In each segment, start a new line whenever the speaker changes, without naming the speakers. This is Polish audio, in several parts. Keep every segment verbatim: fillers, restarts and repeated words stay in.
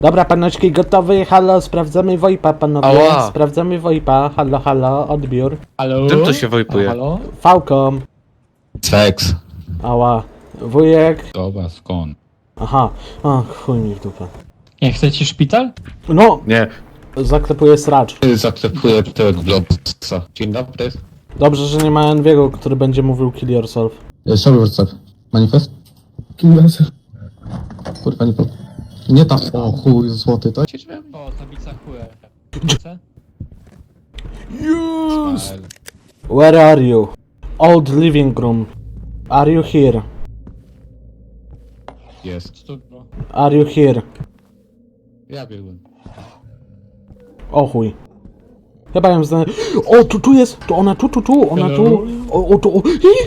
Dobra, panoczki, gotowy? Halo, sprawdzamy VoIPa, panowie.
Ała.
Sprawdzamy VoIPa. Halo, halo, odbiór.
Halo?
Czym to się wojpuje?
Halo?
Falcom.
Seks.
Ała. Wujek.
Dobra, skąd?
Aha. O, chuj mi w dupę.
Nie chcecie szpital?
No,
Nie.
zaklepuję sracz.
Zaklepuję tego Globusa. Dzień dobry.
Dobrze, że nie ma Enviego, który będzie mówił kill yourself.
Sorry, what's up? Manifest? Kim yourself? Kurwa, nie po... Nie tam. O chuj, złoty, to?
O, tablica Q R.
Yes! Where are you? Old living room. Are you here?
Jest.
Studno.
Are you here?
Ja biegłem.
O chuj. Chyba ją zna... O, tu, tu jest! To ona tu, tu, tu, ona tu. O, o, tu, o.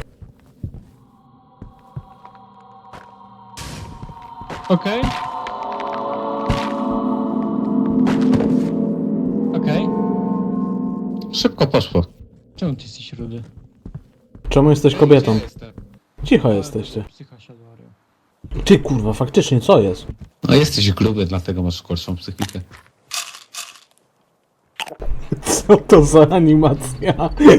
Okej. Okej.
Szybko poszło.
Czemu ty jesteś rudy?
Czemu jesteś kobietą?
Jestem.
Cicho jesteście.
Psycha siadła, Ario.
Ty kurwa, faktycznie, co jest?
No jesteś gruby, dlatego masz gorszą psychikę.
Co to za animacja?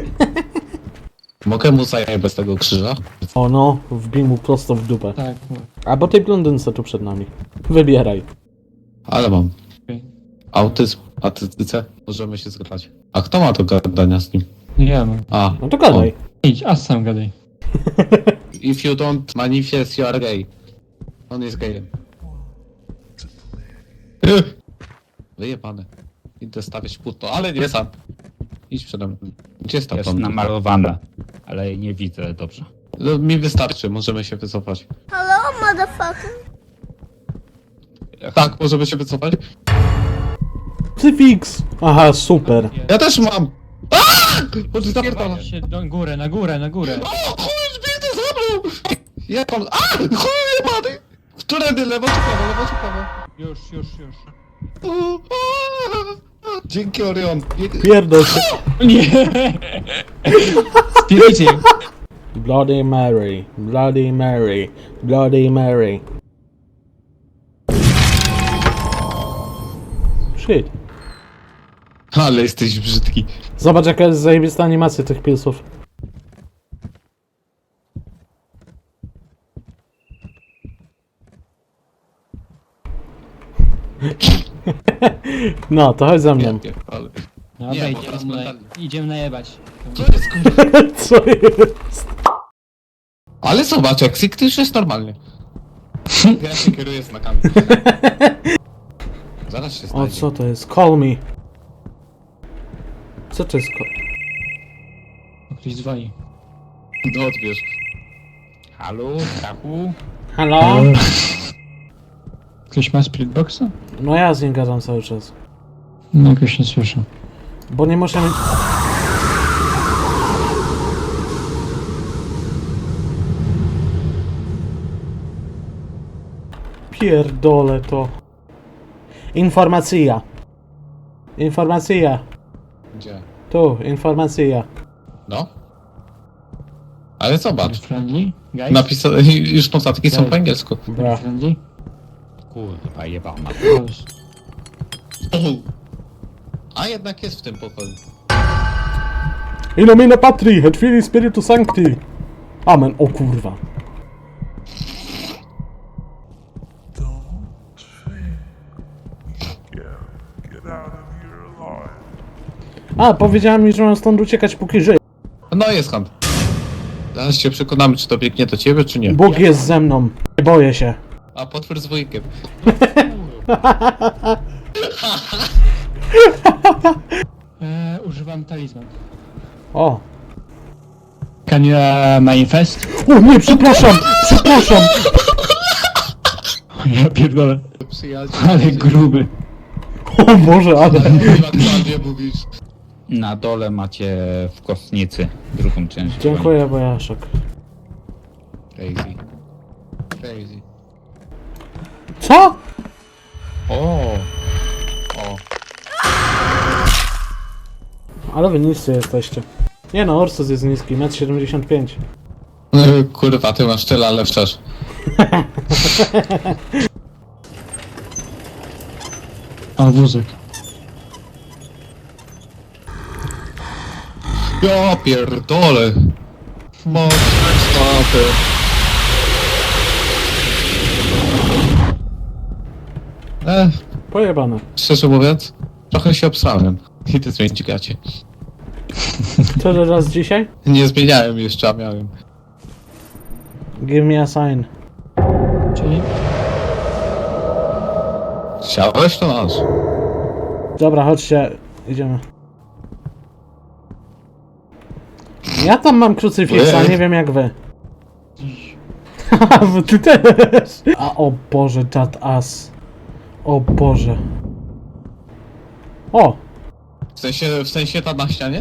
Mogę mu zajebać bez tego krzyża?
O no, wbij mu prosto w dupę.
Tak, no.
Albo tej blondynce tu przed nami. Wybieraj.
Ale mam.
Okej.
Autyzm, autystyce. Możemy się zgadać. A kto ma do gadania z nim?
Nie ja mam.
A.
No to gadaj.
Idź, a sam gadaj.
If you don't manifest, you are gay. On jest gejem. Wyjebane. Idę stawiać płótno, ale nie sam. Idź przede mną. Gdzie jest ta
Jest
blondynka?
namalowana, ale nie widzę dobrze.
No, mi wystarczy, możemy się wycofać.
Hello, motherfucker.
Tak, możemy się wycofać?
Ty fix! Aha, super.
Ja też mam! Aaaa! Chodź, zapierdala.
Się do górę, na górę, na górę.
O, chuj, zbity zabrał! Jak on... A! Chuj jebany! Którędy, lewo czy prawo, lewo czy prawo?
Już, już, już.
O, a, Dzięki, Orion.
Pierdol się.
Nie! Spiricie!
Bloody Mary, Bloody Mary, Bloody Mary. Shit.
Ale jesteś brzydki.
Zobacz jaka jest zajebista animacja tych pilsów. No, to chodź za mną.
Ale...
Dobra,
Nie, bo
idziemy,
teraz
na,
mentalnie.
idziemy najebać.
Co jest kurwa?
Co jest?
Ale zobacz, jak Sik już jest normalnie. Ja się kieruję znakami. Zaraz się
O,
stanie.
co to jest? Call me. Co to jest call...
O, ktoś dzwoni.
No odbierz.
Halo, Stachu?
Halo?
Ktoś ma spiritboxa?
No ja z nim gadam cały czas.
No, jakoś nie słyszę.
Bo nie muszę mieć... Pierdolę to. Informacja. Informacja.
Gdzie?
Tu, informacja.
No. Ale zobacz.
Friendly? Guys?
Napisane, już notatki są po angielsku.
Bra.
Friendly?
Kurwa, jebana.
Close.
A jednak jest w tym pokoju.
In nomine Patri, et Filii Spiritu Sancti. Amen. O kurwa. A, powiedziała mi, że mam stąd uciekać póki żyję.
No jest hand. Zaraz się przekonamy, czy to biegnie do ciebie, czy nie.
Bóg jest ze mną. Nie boję się.
A potwór z wujkiem.
Eee, używam talizman.
O.
Can you uh, manifest?
O nie, przepraszam, przepraszam.
Ja pierdolę.
Przyjaciel.
Ale gruby.
O Boże, ale...
Aktualnie mówisz.
Na dole macie w kostnicy drugą część.
Dziękuję, Bojaszek.
Crazy. Crazy.
Co?
O. O.
Ale wy niscy jesteście. Nie no, Ursus jest niski, metr siedemdziesiąt pięć.
No, kurwa, ty masz tyle, ale wczesz.
O, wózek.
Ja pierdolę. Mocne stopy. Eh,
Pojebane.
szczerze mówiąc, trochę się obsrałem. Idę zmienić gacie.
Co to raz dzisiaj?
Nie zmieniałem jeszcze, a miałem.
Give me a sign.
Czyli?
Chciałeś, to masz.
Dobra, chodźcie. Idziemy. Ja tam mam krucyfiksa,
Ej.
nie wiem jak wy. Haha, ty też. A o Boże, that ass. O Boże. O!
W sensie, w sensie ta na ścianie?